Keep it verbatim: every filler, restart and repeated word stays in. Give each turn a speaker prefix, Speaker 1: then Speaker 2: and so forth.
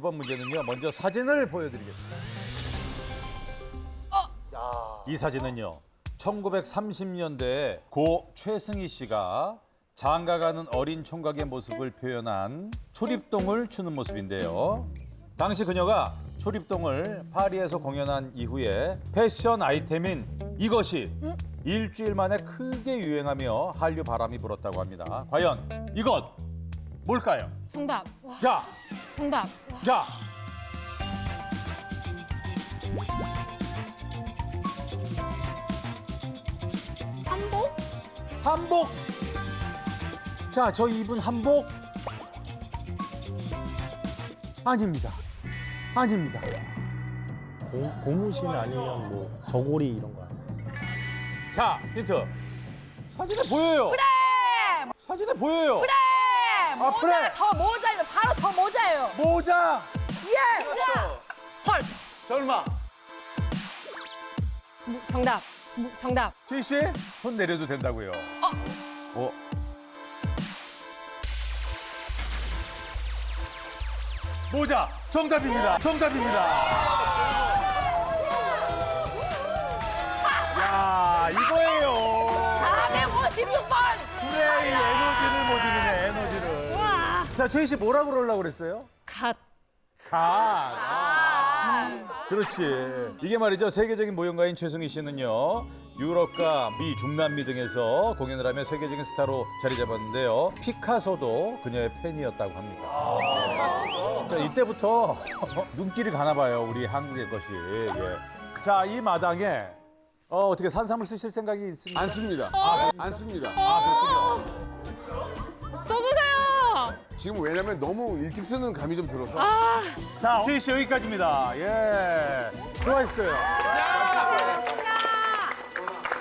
Speaker 1: 이번 문제는요. 먼저 사진을 보여드리겠습니다. 이 사진은요. 천구백삼십 년대에 고 최승희 씨가 장가가는 어린 총각의 모습을 표현한 초립동을 추는 모습인데요. 당시 그녀가 초립동을 파리에서 공연한 이후에 패션 아이템인 이것이 응? 일주일 만에 크게 유행하며 한류 바람이 불었다고 합니다. 과연 이것 뭘까요?
Speaker 2: 정답. 와,
Speaker 1: 자,
Speaker 2: 정답. 와.
Speaker 1: 자.
Speaker 2: 한복?
Speaker 1: 한복. 자, 저 입은 한복 아닙니다. 아닙니다.
Speaker 3: 고, 고무신 아니면 뭐 저고리 이런 거 아니에요?
Speaker 1: 자, 힌트. 사진에 보여요.
Speaker 2: 그래!
Speaker 1: 사진에 보여요.
Speaker 2: 그래!
Speaker 1: 아,
Speaker 2: 모자,
Speaker 1: 그래.
Speaker 2: 저 모자예요. 바로 저 모자예요.
Speaker 1: 모자.
Speaker 2: 예! 헐.
Speaker 4: 설마.
Speaker 2: 무- 정답. 무- 정답.
Speaker 1: 지희 씨, 손 내려도 된다고요.
Speaker 2: 어.
Speaker 1: 어. 모자 정답입니다. 정답입니다. 야, 이거예요.
Speaker 2: 사백오십육 번.
Speaker 1: 그래, 이 에너지를 못 이기네, 에너지를.
Speaker 2: 와.
Speaker 1: 자, 지희 씨 뭐라 그러려고 그랬어요?
Speaker 2: 갓.
Speaker 1: 가.
Speaker 2: 아.
Speaker 1: 그렇지. 이게 말이죠. 세계적인 모형가인 최승희 씨는요. 유럽과 미, 중남미 등에서 공연을 하며 세계적인 스타로 자리 잡았는데요. 피카소도 그녀의 팬이었다고 합니다. 진짜 이때부터 눈길이 가나 봐요. 우리 한국의 것이. 예. 자, 이 마당에 어, 어떻게 산삼을 쓰실 생각이 있습니까?
Speaker 4: 안 씁니다.
Speaker 1: 아,
Speaker 4: 안 씁니다.
Speaker 1: 아, 그렇군요.
Speaker 2: 써주세요.
Speaker 4: 지금 왜냐면 너무 일찍 쓰는 감이 좀 들어서.
Speaker 2: 아.
Speaker 1: 자, 지희 씨 여기까지입니다. 예. 수고하셨어요.